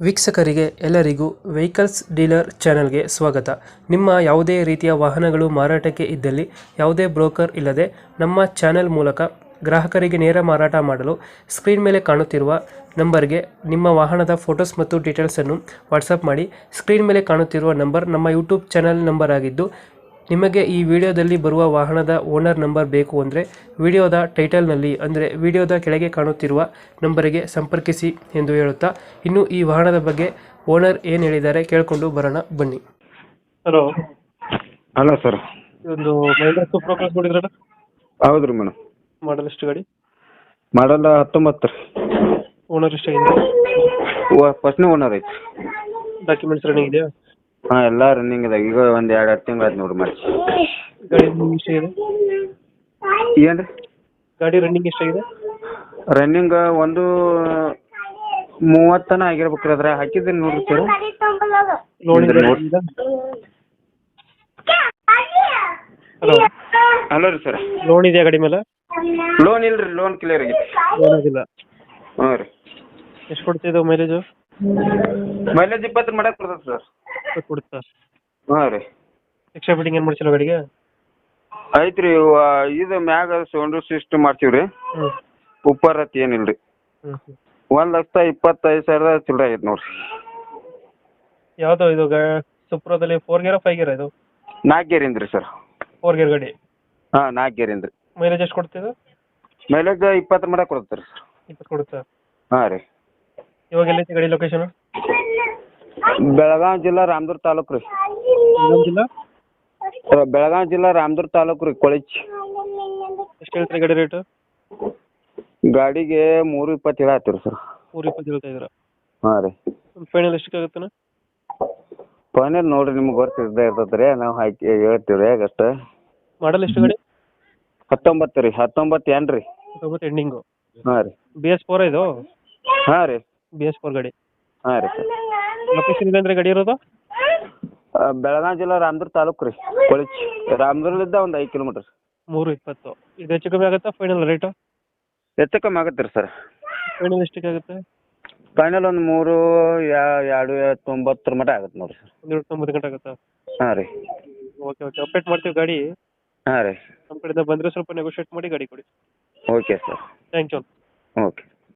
ವೀಕ್ಷಕರಿಗೆ ಎಲ್ಲರಿಗೂ vehicles dealer ಚಾನೆಲ್ಗೆ ಸ್ವಾಗತ. ನಿಮ್ಮ ಯಾವುದೇ ರೀತಿಯ ವಾಹನಗಳು ಮಾರಾಟಕ್ಕೆ ಇದ್ದಲ್ಲಿ ಯಾವುದೇ ಬ್ರೋಕರ್ ಇಲ್ಲದೆ ನಮ್ಮ ಚಾನೆಲ್ ಮೂಲಕ ಗ್ರಾಹಕರಿಗೆ ನೇರ ಮಾರಾಟ ಮಾಡಲು ಸ್ಕ್ರೀನ್ ಮೇಲೆ ಕಾಣುತ್ತಿರುವ ನಂಬರ್ಗೆ ನಿಮ್ಮ ವಾಹನದ ಫೋಟೋಸ್ ಮತ್ತು ಡೀಟೇಲ್ಸನ್ನು ವಾಟ್ಸಪ್ ಮಾಡಿ. ಸ್ಕ್ರೀನ್ ಮೇಲೆ ಕಾಣುತ್ತಿರುವ ನಂಬರ್ ನಮ್ಮ ಯೂಟ್ಯೂಬ್ ಚಾನೆಲ್ ನಂಬರ್ ಆಗಿದ್ದು, ನಿಮಗೆ ಈ ವಿಡಿಯೋದಲ್ಲಿ ಬರುವ ವಾಹನದ ಓನರ್ ನಂಬರ್ ಬೇಕು ಅಂದರೆ ವಿಡಿಯೋದ ಟೈಟಲ್ನಲ್ಲಿ ಅಂದರೆ ವಿಡಿಯೋದ ಕೆಳಗೆ ಕಾಣುತ್ತಿರುವ ನಂಬರಿಗೆ ಸಂಪರ್ಕಿಸಿ ಎಂದು ಹೇಳುತ್ತಾ, ಇನ್ನು ಈ ವಾಹನದ ಬಗ್ಗೆ ಓನರ್ ಏನು ಹೇಳಿದ್ದಾರೆ ಕೇಳಿಕೊಂಡು ಬರೋಣ ಬನ್ನಿ. Hello hello sir. ಇದೊಂದು ಮಹೇಂದ್ರ ಸೂಪರ್ ಕ್ರಾಸ್ ನೋಡಿದ್ರಲ್ಲ, ಹೌದು ರೀ ಮೇಡಮ್. ಮಾಡಲ್ ಎಷ್ಟು ಗಾಡಿ? ಮಾಡಲ್ಲ 19 ರೀ. ಓನರ್ ಎಷ್ಟಾಗಿದೆ? ಫಸ್ಟ್ನೇ ಓನರ್ ಐತಿ. ಡಾಕ್ಯುಮೆಂಟ್ಸ್ ರನ್ನಿಂಗ್ ಇದೆಯಾ? ಹಾಂ, ಎಲ್ಲ ರನ್ನಿಂಗ್ ಇದೆ. ಈಗ ಒಂದು 2 ತಿಂಗಳು ಆಯ್ತು ನೋಡ್ರಿ ಮಾಡಿ. ಗಾಡಿ ರನ್ನಿಂಗ್ ಎಷ್ಟಾಗಿದೆ? ಏನು ರೀ ಗಾಡಿ ರನ್ನಿಂಗ್ ಎಷ್ಟಾಗಿದೆ? ರನ್ನಿಂಗ್ ಒಂದು 30 ತನ ಆಗಿರ್ಬೇಕ್ರಿ. ಅದ್ರ ಹಾಕಿದ್ದೀನಿ ನೋಡ್ರಿ ಸರ್. ಲೋನ್ ಇದೆ? ಹಲೋ, ಹಲೋ ರೀ ಸರ್. ಲೋನ್ ಇದೆಯಾ ಗಾಡಿ ಮೇಲೆ? ಲೋನ್ ಇಲ್ಲ ರೀ, ಲೋನ್ ಕ್ಲಿಯರ್ ಆಗೈತಿ. ಲೋನ್ ಆಗಿಲ್ಲ. ಹಾಂ ರೀ. ಎಷ್ಟು ಕೊಡ್ತಿದ್ದು ಮೈಲೇಜು? ಮೈಲೇಜ್ 20 ಮಾಡಕ್ಕೆ ಬರ್ತದೆ ಸರ್. ಕೊಡುತ್ತಾ? ಹಾಂ ರೀ. ಎಕ್ಸ್ಟ್ರಾ ಫಿಟ್ಟಿಂಗ್ ಏನು ಮಾಡ್ಸಿಲ್ಲ ಗಾಡಿಗೆ? ಐತೆ ರೀ. ಇದು ಮ್ಯಾಗ ಸೌಂಡ್ ಸಿಸ್ಟಮ್ ಮಾಡ್ತೀವಿ ರೀ. ಹ್ಞೂ ಉಪ್ಪರತ್ ಏನಿಲ್ಲ ರೀ. ಹ್ಞೂ ಹ್ಞೂ 1,25,000 ಚಿಲ್ಲರೆ ಆಗೈತೆ ನೋಡ್ರಿ. ಯಾವುದು ಇದು ಸುಪ್ರದಲ್ಲಿ 4 ಗೇರಾ 5 ಗೇರಾ? ಇದು 4 ಗೇರಿಂದ ರೀ ಸರ್. 4 ಗೇರ್ ಗಾಡಿ. ಹಾಂ, 4 ಗೇರಿಂದ ರೀ. ಮೈಲೇಜ್ ಎಷ್ಟು ಕೊಡ್ತಿದ್ದು? ಮೈಲೇಜ್ 20 ಮಾಡಕ್ಕೆ ಕೊಡುತ್ತೆ ರೀ ಸರ್. 20 ಕೊಡುತ್ತಾ? ಹಾಂ ರೀ. ಇವಾಗ ಎಲ್ಲೈತಿ ಗಾಡಿ ಲೊಕೇಶನ್? ಬೆಳಗಾವಿ ಜಿಲ್ಲಾ ರಾಮದುರ್ಗ ತಾಲೂಕು ರೀ. ಜಿಲ್ಲಾ? ಬೆಳಗಾವಿ ಜಿಲ್ಲಾ ರಾಮದುರ್ಗ ತಾಲೂಕು ರೀ, ಕೊಳಚಿ. ಎಷ್ಟು ಹೇಳ್ತೀರಿ ಗಾಡಿ ರೇಟು? ಗಾಡಿಗೆ 320 ಹೇಳತ್ತೀವಿ ಸರ್. 320 ಹೇಳ್ತಾ ಇದ್ದೀರಾ? ಹಾಂ ರೀ. ಫೈನಲ್ ಎಷ್ಟಕ್ಕಾಗುತ್ತಾನ? ಫೈನಲ್ ನೋಡಿರಿ, ನಿಮ್ಗೆ ಗೊತ್ತಿದ್ದೇ ಇರ್ತದೆ ರೀ. ನಾವು ಹಾಕಿ ಹೇಳ್ತೀವಿ ರೀ ಅಷ್ಟು. ಮಾಡಲ್ ಎಷ್ಟು ಗಾಡಿ? 19 ರೀ. 19 ಏನು ರೀ? 19 ಎಂಡಿಂಗು. ಹಾಂ ರೀ. BS4 ಇದು? ಹಾಂ ರೀ. BS4 ಗಾಡಿ. ಹಾಂ ರೀ ಸರ್. ಲೊಕೇಶನ್ ಇದೆ ಅಂದರೆ ಗಾಡಿ ಇರೋದು? ಬೆಳಗಾವಿ ಜಿಲ್ಲಾ ರಾಮದುರ್ಗ ತಾಲೂಕು ರೀ, ಕೊಳಚಿ. ರಾಮದುರ್ಗದಿಂದ ಒಂದು 5 ಕಿಲೋಮೀಟ್ರ್. 320. ಇದು ಹೆಚ್ಚು ಕಮ್ಮಿ ಆಗುತ್ತಾ ಫೈನಲ್ ರೇಟು? ಹೆಚ್ಚು ಕಮ್ಮಿ ಆಗುತ್ತೆ ರೀ ಸರ್. ಫೈನಲ್ ಎಷ್ಟಕ್ಕೆ ಆಗುತ್ತೆ? ಫೈನಲ್ ಒಂದು 290 ಮಟ್ಟ ಆಗುತ್ತೆ ನೋಡಿರಿ ಸರ್. 190 ಗಂಟೆ ಆಗುತ್ತಾ? ಹಾಂ ರೀ. ಓಕೆ ಅಪ್ಡೇಟ್ ಮಾಡ್ತೀವಿ ಗಾಡಿ. ಹಾಂ ರೀ. ನಮ್ಮ ಕಡೆಯಿಂದ ಬಂದರೆ ಸ್ವಲ್ಪ ನೆಗೋಷಿಯೇಟ್ ಮಾಡಿ ಗಾಡಿ ಕೊಡಿ. Okay sir. Thank you. Okay.